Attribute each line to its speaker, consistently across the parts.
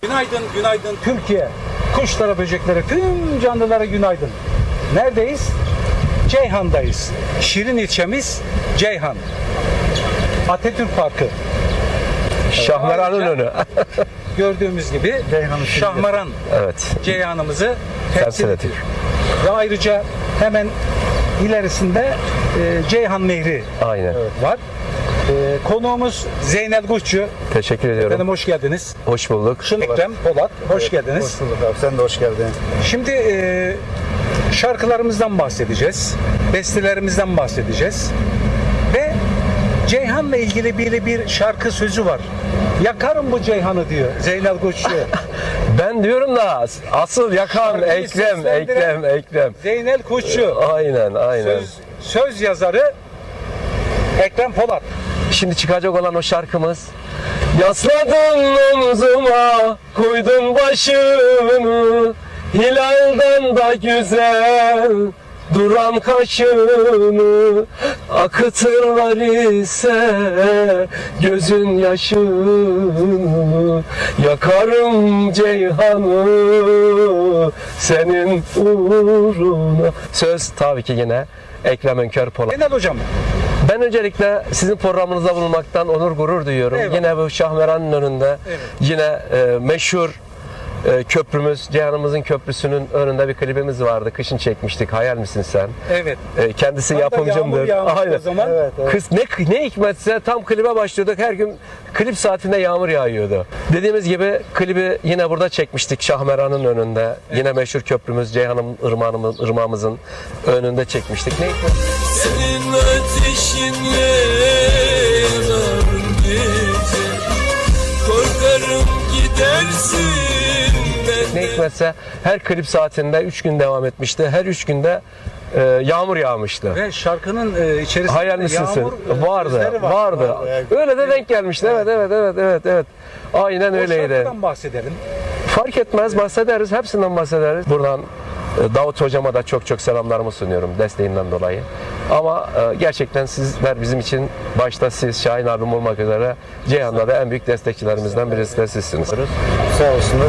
Speaker 1: Günaydın, günaydın Türkiye. Kuşlara, böceklere, tüm canlılara günaydın. Neredeyiz? Ceyhan'dayız. Şirin ilçemiz Ceyhan. Atatürk Parkı.
Speaker 2: Şahmeran'ın önü.
Speaker 1: Gördüğümüz gibi Şahmeran,
Speaker 2: Evet.
Speaker 1: Ceyhan'ımızı
Speaker 2: Temsil
Speaker 1: temsil
Speaker 2: ediyor.
Speaker 1: ediyor. Ve ayrıca hemen ilerisinde Ceyhan Nehri
Speaker 2: Aynen.
Speaker 1: var. Konuğumuz Zeynel Kuşçu.
Speaker 2: Teşekkür ediyorum.
Speaker 1: Efendim hoş geldiniz.
Speaker 2: Hoş bulduk.
Speaker 1: Ekrem Polat, hoş geldiniz.
Speaker 3: Hoş bulduk abi. Sen de hoş geldin.
Speaker 1: Şimdi şarkılarımızdan bahsedeceğiz. Bestelerimizden bahsedeceğiz. Ve Ceyhan'la ilgili bir şarkı sözü var. Yakarım bu Ceyhan'ı diyor Zeynel Kuşçu.
Speaker 2: Ben diyorum da asıl yakan
Speaker 1: Şarkıyı
Speaker 2: Ekrem,
Speaker 1: seslendiren
Speaker 2: Ekrem.
Speaker 1: Zeynel Kuşçu.
Speaker 2: Aynen.
Speaker 1: Söz yazarı Ekrem Polat.
Speaker 2: Şimdi çıkacak olan o şarkımız. Yasladın omzuma, koydun başını, hilalden da güzel duran kaşını, akıtırlar ise gözün yaşını, yakarım Ceyhan'ı senin uğruna. Söz tabii ki yine Ekrem Önkör Polat.
Speaker 1: Zeynel hocam.
Speaker 2: Ben öncelikle sizin programınızda bulunmaktan onur gurur duyuyorum.
Speaker 1: Eyvallah.
Speaker 2: Yine bu Şahmeran'ın önünde
Speaker 1: Evet.
Speaker 2: yine meşhur köprümüz, Ceyhan'ımızın köprüsünün önünde bir klibimiz vardı. Kışın çekmiştik. Hayal misin sen?
Speaker 1: Evet.
Speaker 2: Kendisi
Speaker 1: Hatta yağmur
Speaker 2: yapımcımdır.
Speaker 1: yağmıştı o zaman.
Speaker 3: Evet.
Speaker 2: Kız ne hikmetse tam klibe başlıyorduk. Her gün klip saatinde yağmur yağıyordu. Dediğimiz gibi klibi yine burada çekmiştik Şahmeran'ın önünde. Yine meşhur köprümüz Ceyhan'ın ırmağımızın önünde çekmiştik. Ne hikmet?
Speaker 4: Senin ateşinle yanarım gece, korkarım gidersin
Speaker 2: Ne
Speaker 4: benden.
Speaker 2: hikmetse her klip saatinde 3 gün devam etmişti. Her 3 günde yağmur yağmıştı.
Speaker 1: Ve şarkının içerisinde
Speaker 2: Hayal misin?
Speaker 1: yağmur
Speaker 2: Vardı.
Speaker 1: sözleri var.
Speaker 2: Vardı. Öyle de denk gelmişti. Evet. Aynen
Speaker 1: O
Speaker 2: öyleydi.
Speaker 1: şarkıdan bahsedelim.
Speaker 2: Fark etmez, bahsederiz. Hepsinden bahsederiz. Buradan Davut hocama da çok selamlarımı sunuyorum desteğinden dolayı. Ama gerçekten sizler bizim için, başta siz, Şahin abim olmak üzere, Ceyhan'da da en büyük destekçilerimizden birisi de sizsiniz.
Speaker 3: Sağ olsunlar.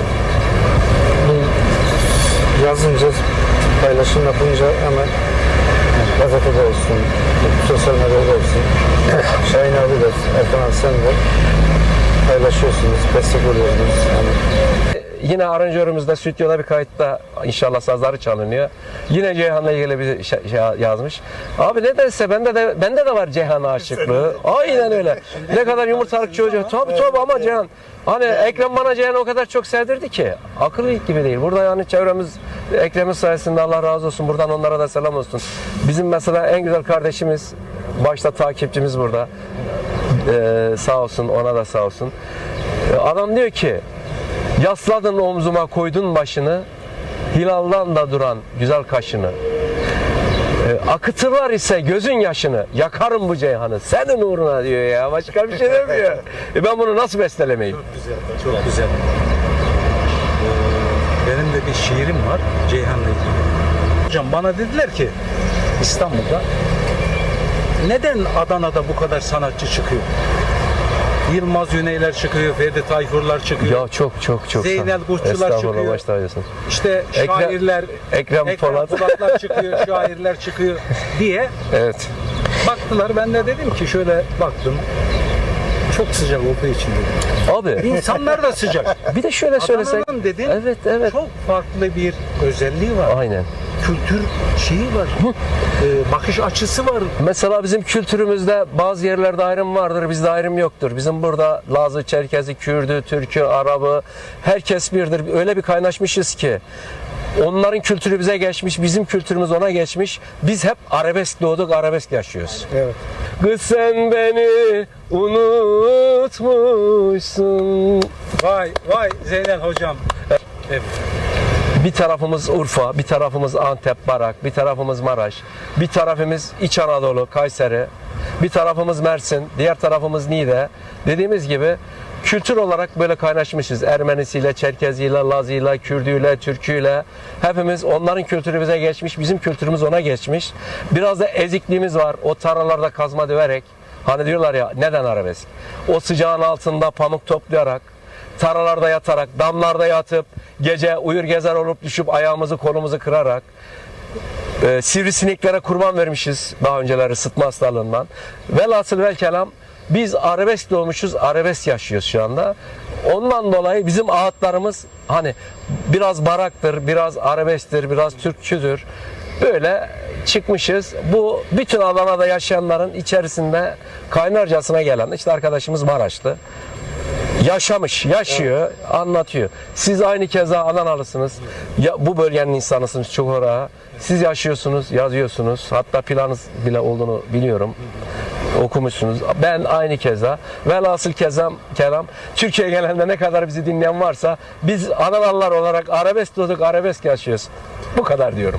Speaker 3: Yazınca, paylaşım yapınca hemen gazetede olsun, sosyal medyada olsun. Şahin abi de, Erkan abi sen de paylaşıyorsunuz, destek oluyorsunuz. Yani
Speaker 2: Yine aranjörümüzde stüdyoda bir kayıtta inşallah sazları çalınıyor. Yine Ceyhan'la ilgili bir şey yazmış. Abi nedense bende de var Ceyhan aşıklığı. Aynen öyle. Ne kadar yumurtalık çocuğu. Tabii ama Ceyhan. Hani Ekrem bana Ceyhan'ı o kadar çok sevdirdi ki. Akıl gibi değil. Burada yani çevremiz Ekrem'in sayesinde Allah razı olsun. Buradan onlara da selam olsun. Bizim mesela en güzel kardeşimiz, başta takipçimiz burada. Sağ olsun, ona da sağ olsun. Adam diyor ki, yasladın omzuma, koydun başını, hilaldan da duran güzel kaşını, akıtırlar ise gözün yaşını, yakarım bu Ceyhan'ı senin uğruna diyor ya, başka bir şey demiyor. Ben bunu nasıl bestelemeyim?
Speaker 1: Çok güzel. Benim de bir şiirim var Ceyhan'la ilgili. Hocam bana dediler ki İstanbul'da neden Adana'da bu kadar sanatçı çıkıyor? Yılmaz Güneyler çıkıyor, Ferdi Tayfurlar çıkıyor.
Speaker 2: Ya çok
Speaker 1: Zeynel Kuşçular
Speaker 2: Estağfurullah,
Speaker 1: çıkıyor.
Speaker 2: baş tacısın.
Speaker 1: İşte şairler,
Speaker 2: Ekrem Polat.
Speaker 1: Polatlar çıkıyor, şairler çıkıyor diye
Speaker 2: Evet.
Speaker 1: baktılar. Ben de dedim ki şöyle baktım. Çok sıcak olduğu için dedim.
Speaker 2: Abi
Speaker 1: İnsanlar da sıcak.
Speaker 2: bir de şöyle söylesek.
Speaker 1: Adana'nın dedim.
Speaker 2: Evet.
Speaker 1: Çok farklı bir özelliği var.
Speaker 2: Aynen.
Speaker 1: Kültür şeyi var. Bakış açısı var.
Speaker 2: Mesela bizim kültürümüzde bazı yerlerde ayrım vardır, bizde ayrım yoktur. Bizim burada Lazı, Çerkezi, Kürdü, Türkü, Arabı, herkes birdir. Öyle bir kaynaşmışız ki onların kültürü bize geçmiş, bizim kültürümüz ona geçmiş. Biz hep arabesk doğduk, arabesk yaşıyoruz.
Speaker 3: evet.
Speaker 2: Kız sen beni unutmuşsun.
Speaker 1: Vay Zeynel hocam. Evet.
Speaker 2: Bir tarafımız Urfa, bir tarafımız Antep, Barak, bir tarafımız Maraş, bir tarafımız İç Anadolu, Kayseri, bir tarafımız Mersin, diğer tarafımız Niğde. Dediğimiz gibi kültür olarak böyle kaynaşmışız. Ermenisiyle, Çerkeziyle, Lazıyla, Kürdüyle, Türküyle. Hepimiz, onların kültürü bize geçmiş, bizim kültürümüz ona geçmiş. Biraz da ezikliğimiz var. O tarlalarda kazma döverek, hani diyorlar ya, neden arabesk? O sıcağın altında pamuk toplayarak, taralarda yatarak, damlarda yatıp, gece uyur gezer olup düşüp ayağımızı kolumuzu kırarak, sivrisineklere kurban vermişiz daha önceleri sıtma hastalığından. Velhasıl vel kelam biz arabesk doğmuşuz, arabesk yaşıyoruz şu anda. Ondan dolayı bizim ağıtlarımız hani biraz baraktır, biraz arabesktir, biraz Türkçüdür. Böyle çıkmışız. Bu bütün Adana'da yaşayanların içerisinde kaynarcasına gelen işte arkadaşımız Maraşlı. Yaşamış, yaşıyor, anlatıyor. Siz aynı keza Adanalısınız. Ya, bu bölgenin insanısınız çok oraya. Siz yaşıyorsunuz, yazıyorsunuz. Hatta planınız bile olduğunu biliyorum. Okumuşsunuz. Ben aynı keza. Velhasıl kelam Türkiye genelinde ne kadar bizi dinleyen varsa biz Adanalılar olarak arabesk doğduk, arabesk yaşıyoruz. Bu kadar diyorum.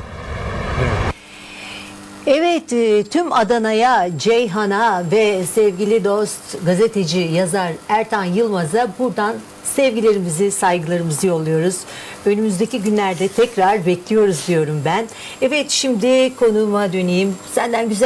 Speaker 5: Evet, tüm Adana'ya, Ceyhan'a ve sevgili dost gazeteci, yazar Ertan Yılmaz'a buradan sevgilerimizi, saygılarımızı yolluyoruz. Önümüzdeki günlerde tekrar bekliyoruz diyorum ben. Evet, şimdi konuğuma döneyim. Senden güzel